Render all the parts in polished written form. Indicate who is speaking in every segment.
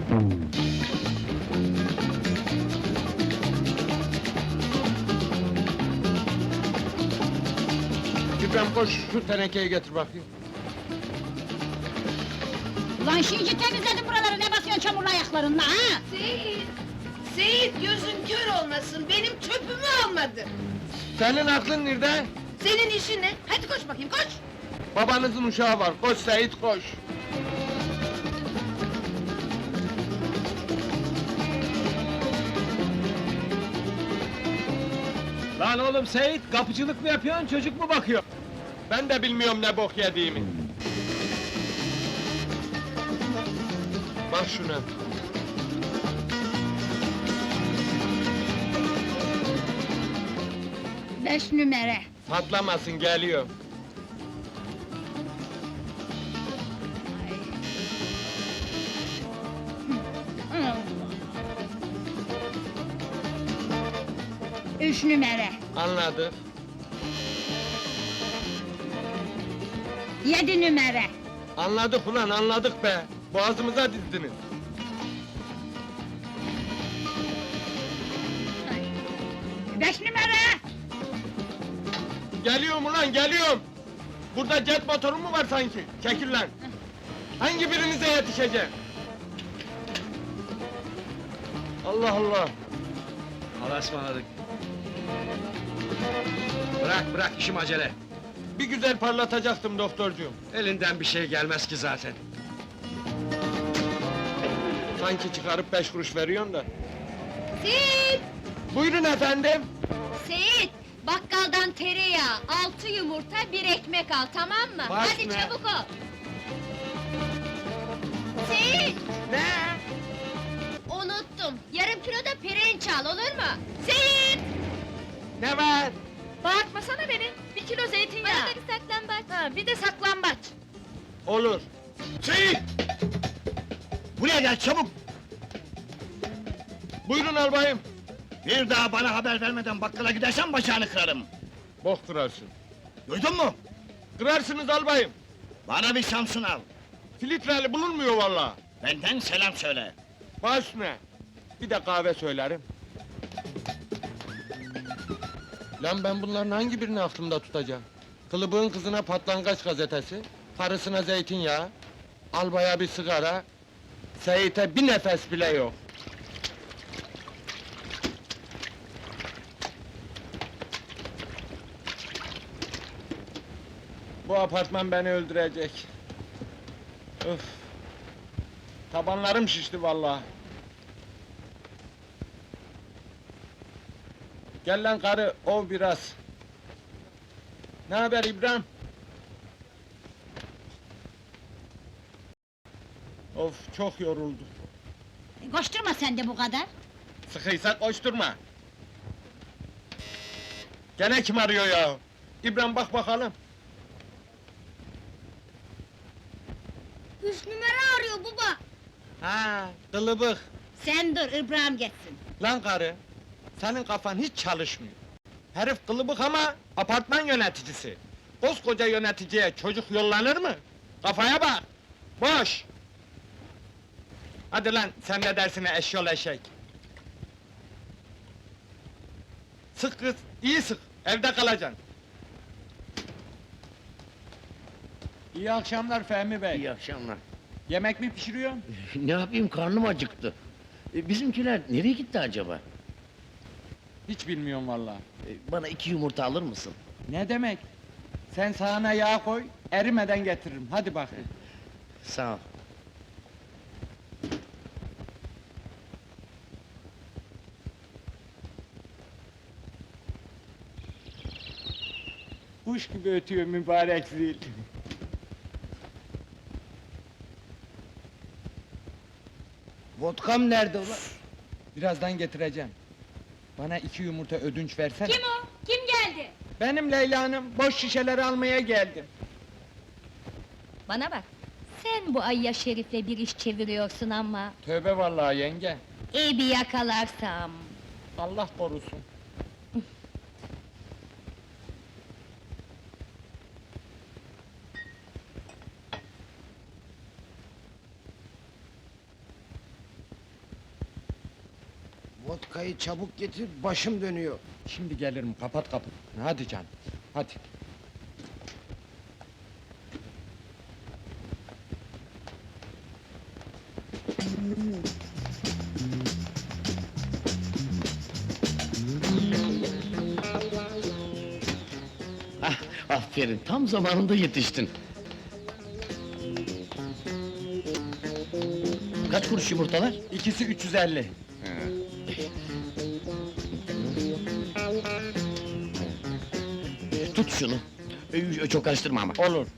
Speaker 1: İbrahim koş, şu tenekeyi getir bakayım.
Speaker 2: Ulan şimdi temizledim buraları, ne basıyorsun çamurlu ayaklarınla ha?
Speaker 3: Seyit! Seyit gözün kör olmasın, benim çöpümü almadı!
Speaker 1: Senin aklın nerede?
Speaker 3: Senin işin ne? Hadi koş bakayım, koş!
Speaker 1: Babanızın uşağı var, koş Seyit koş!
Speaker 4: Lan oğlum Seyit, kapıcılık mı yapıyorsun, çocuk mu bakıyor?
Speaker 1: Ben de bilmiyorum ne bok yediğimi. Bak şuna.
Speaker 2: Beş numara.
Speaker 1: Patlamasın, geliyor.
Speaker 2: Üç numara.
Speaker 1: Anladık.
Speaker 2: Yedi numara.
Speaker 1: Anladık ulan, anladık be! Boğazımıza dizdiniz.
Speaker 2: Beş numara.
Speaker 1: Geliyorum ulan, geliyorum! Burada jet motoru mu var sanki? Çekil lan! Hangi birinize yetişeceğim? Allah Allah!
Speaker 4: Allah'a ısmarladık. Bırak, işim acele.
Speaker 1: Bir güzel parlatacaktım doktorcuğum.
Speaker 4: Elinden bir şey gelmez ki zaten.
Speaker 1: Sanki çıkarıp 5 kuruş veriyorsun da.
Speaker 3: Seyit!
Speaker 1: Buyurun efendim!
Speaker 3: Seyit! Bakkaldan tereyağı, 6 yumurta, 1 ekmek al, tamam mı?
Speaker 1: Baş
Speaker 3: Hadi
Speaker 1: ne?
Speaker 3: çabuk ol! Seyit!
Speaker 1: Ne?
Speaker 3: Unuttum, yarım kilo da pirinç al, olur mu? Seyit!
Speaker 1: Ne var?
Speaker 3: Bağırtmasana beni, 1 kilo zeytinyağı! Bana da bir saklambaç! Ha, bir de saklambaç!
Speaker 1: Olur.
Speaker 4: Seyit! Buraya gel çabuk!
Speaker 1: Buyurun albayım.
Speaker 4: Bir daha bana haber vermeden bakkala gidersen bacağını kırarım.
Speaker 1: Bok kırarsın.
Speaker 4: Duydun mu?
Speaker 1: Kırarsınız albayım.
Speaker 4: Bana bir Samsun al.
Speaker 1: Filtreli bulunmuyor vallahi.
Speaker 4: Benden selam söyle.
Speaker 1: Baş ne? Bir de kahve söylerim. Lan ben bunların hangi birini aklımda tutacağım? Kılıbığın kızına patlangaç gazetesi, karısına zeytinyağı, albaya bir sigara, Seyit'e bir nefes bile yok. Bu apartman beni öldürecek. Öf! Tabanlarım şişti vallahi. Gel lan karı, ov biraz. Ne haber İbrahim? Of, çok yoruldu.
Speaker 2: Koşturma sen de bu kadar.
Speaker 1: Sıkıysa koşturma. Gene kim arıyor ya? İbrahim bak bakalım.
Speaker 2: 3 numara arıyor baba.
Speaker 1: Ha, kılıbık.
Speaker 2: Sen dur, İbrahim geçsin.
Speaker 1: Lan karı, senin kafan hiç çalışmıyor. Herif kılıbık ama apartman yöneticisi. Koskoca yöneticiye çocuk yollanır mı? Kafaya bak! Boş! Hadi lan, sen de dersine eşyol eşek! Sık kız, iyi sık, evde kalacaksın! İyi akşamlar Fehmi Bey.
Speaker 5: İyi akşamlar.
Speaker 1: Yemek mi pişiriyorsun?
Speaker 5: Ne yapayım, karnım acıktı. Bizimkiler nereye gitti acaba?
Speaker 1: Hiç bilmiyorum vallahi.
Speaker 5: Bana 2 yumurta alır mısın?
Speaker 1: Ne demek? Sen sahana yağ koy, erimeden getiririm, hadi bakayım.
Speaker 5: Sağ ol.
Speaker 1: Kuş gibi ötüyor mübarek zil.
Speaker 5: Vodkam nerede ulan?
Speaker 1: Birazdan getireceğim. Bana 2 yumurta ödünç versene.
Speaker 3: Kim o? Kim geldi?
Speaker 1: Benim Leyla Hanım, boş şişeleri almaya geldim.
Speaker 3: Bana bak, sen bu Ayya Şerif'le bir iş çeviriyorsun ama...
Speaker 1: Tövbe vallahi yenge,
Speaker 3: ...iyi bir yakalarsam...
Speaker 1: Allah korusun.
Speaker 6: Vodkayı çabuk getir, başım dönüyor.
Speaker 1: Şimdi gelirim, kapat kapı. Hadi canım, hadi.
Speaker 5: Ah, aferin, tam zamanında yetiştin. Kaç kuruş yumurtalar?
Speaker 1: İkisi 350.
Speaker 5: Tut şunu. Çok karıştırma ama.
Speaker 1: Olur.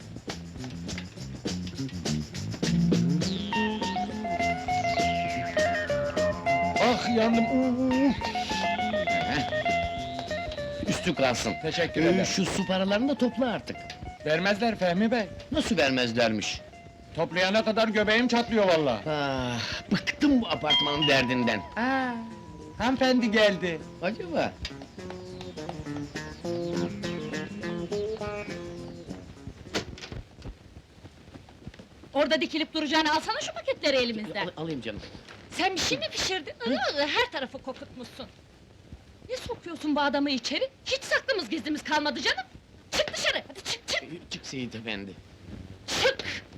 Speaker 1: Ah yandım.
Speaker 5: Üstü kalsın.
Speaker 1: Teşekkür ederim.
Speaker 5: Şu su paralarını da topla artık.
Speaker 1: Vermezler Fehmi Bey.
Speaker 5: Nasıl vermezlermiş?
Speaker 1: Toplayana kadar göbeğim çatlıyor vallahi.
Speaker 5: Ah, bıktım bu apartmanın derdinden.
Speaker 1: Hanımefendi geldi.
Speaker 5: Acaba?
Speaker 2: Orada dikilip duracağını alsana şu paketleri elimizden.
Speaker 5: Alayım canım.
Speaker 2: Sen bir şey mi pişirdin? Her tarafı kokutmuşsun. Ne sokuyorsun bu adamı içeri? Hiç saklımız gizlimiz kalmadı canım. Çık dışarı, hadi çık çık
Speaker 5: Çık Seyit efendi.
Speaker 2: çık!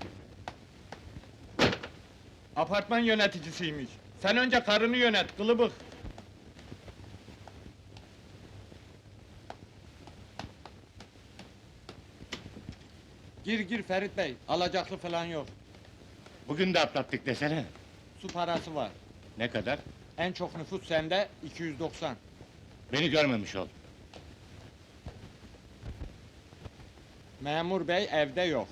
Speaker 1: Apartman yöneticisiymiş. Sen önce karını yönet, kılıbık. Gir gir Ferit Bey, alacaklı falan yok.
Speaker 7: Bugün de atlattık desene.
Speaker 1: Su parası var.
Speaker 7: Ne kadar?
Speaker 1: En çok nüfus sende, 290.
Speaker 7: Beni görmemiş ol.
Speaker 1: Memur bey evde yok.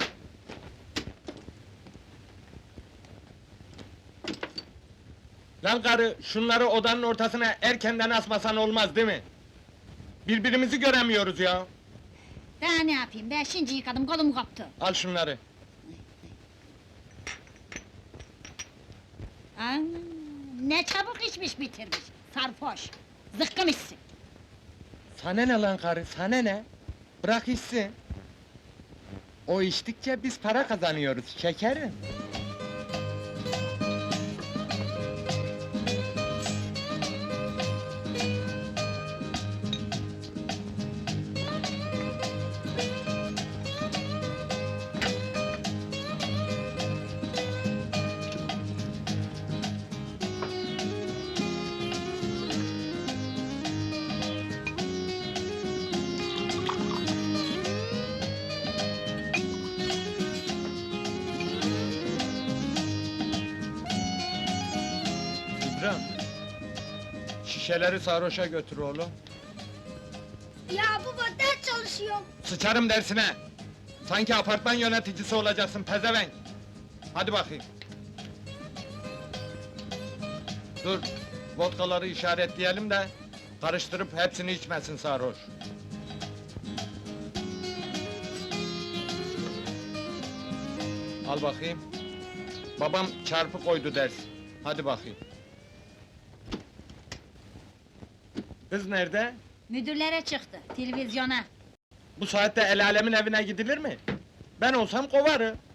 Speaker 1: Lan karı, şunları odanın ortasına erkenden asmasan olmaz değil mi? Birbirimizi göremiyoruz ya.
Speaker 2: Daha ne yapayım, ben şimdi yıkadım, kolum koptu.
Speaker 1: Al şunları.
Speaker 2: Aa, ne çabuk içmiş bitirmiş, sarhoş. Zıkkım içsin.
Speaker 1: Sana ne lan karı, sana ne? Bırak içsin. O içtikçe biz para kazanıyoruz, şekerim. İbrahim, şişeleri sarhoşa götür oğlum.
Speaker 2: Ya baba, ders çalışıyorum.
Speaker 1: Sıçarım dersine! Sanki apartman yöneticisi olacaksın pezevenk! Hadi bakayım! Dur, vodkaları işaretleyelim de... ...karıştırıp hepsini içmesin sarhoş. Al bakayım. Babam çarpı koydu ders. Hadi bakayım. Kız nerede?
Speaker 2: Müdürlere çıktı, televizyona.
Speaker 1: Bu saatte el alemin evine gidilir mi? Ben olsam kovarım.